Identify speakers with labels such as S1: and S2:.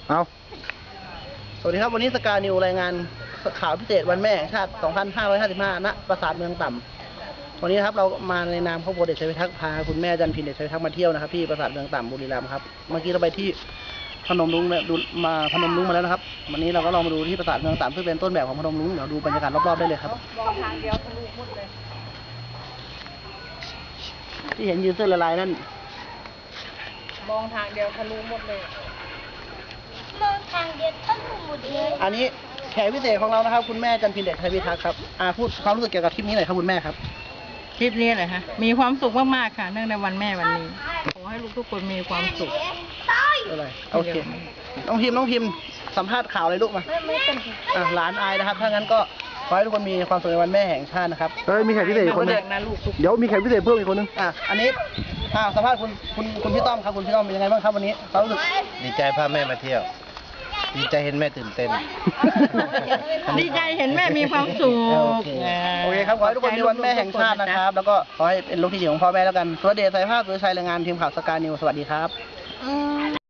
S1: เอาสวัสดีครับวันนี้สกานิวรายงานข่าวพิเศษวันแม่แห่งชาติ 2555 ณ ปราสาทเมืองต่ำวันนี้นะครับเรามาในนามครอบครัวเด็กชัยพิทักษ์พาคุณแม่จันพินเด็กชัยพิทักษ์มาเที่ยวนะครับที่ปราสาทเมืองต่ำบุรีรัมย์ครับเมื่อกี้เราไปที่พนมรุ้งเนี่ยดูมาพนมรุ้งมาแล้วนะครับวันนี้เราก็ลองมาดูที่ปราสาทเมืองต่ำซึ่งเป็นต้นแบบของพนมรุ้งเดี๋ยวดูบรรยากาศรอบๆได้เลยครับ
S2: มองทางเดียวทะลุหมดเลย
S1: ที่เห็นยืนเสื้อลายๆนั่น
S2: มองทางเดียวทะลุหมดเลย
S3: มองทางเดียวทะลุหมดเลย
S1: อันนี้แขกพิเศษของเรานะครับคุณแม่จันพินเด็กชัยพิทักษ์ครับพูดความรู้สึกเกี่ยวกับทริปนี้หน่อยครับคุณแม่ครับ
S2: คลิปนี้เลยฮะมีความสุขมากๆค่ะเนื่องในวันแม่วันนี้ขอให้ลูกทุกคนมีความสุข
S1: อะไรโอเคน้องพิมพ์สัมภาษณ์ข่าวอะไรลูกมา
S3: ไม่เป็นไร
S1: หลานอายนะครับถ้างั้นก็ขอให้ทุกคนมีความสุขในวันแม่แห่งชาตินะครับมีแขกพิเศษอีกคนนึง
S2: เด็กนะลูกทุก
S1: เดี๋ยวมีแขกพิเศษเพิ่มอีกคนนึงอันนี้สัมภาษณ์คุณพี่ต้อมครับคุณพี่ต้อมเป็นยังไงบ้างครับวันนี้ความรู้สึก
S4: ดีใจพาแม่มาเที่ยว ดีใจเห็นแม่ตื่นเต้น
S2: ดีใจเห็นแม่มีความสุข
S1: โอเคครับขอให้ทุกคนมีวันแม่แห่งชาตินะครับแล้วก็ขอให้เป็นลูกที่ดีของพ่อแม่แล้วกันสุรเดชสายภาพสุรชัยรายงานทีมข่าวสกายนิวสวัสดีครับ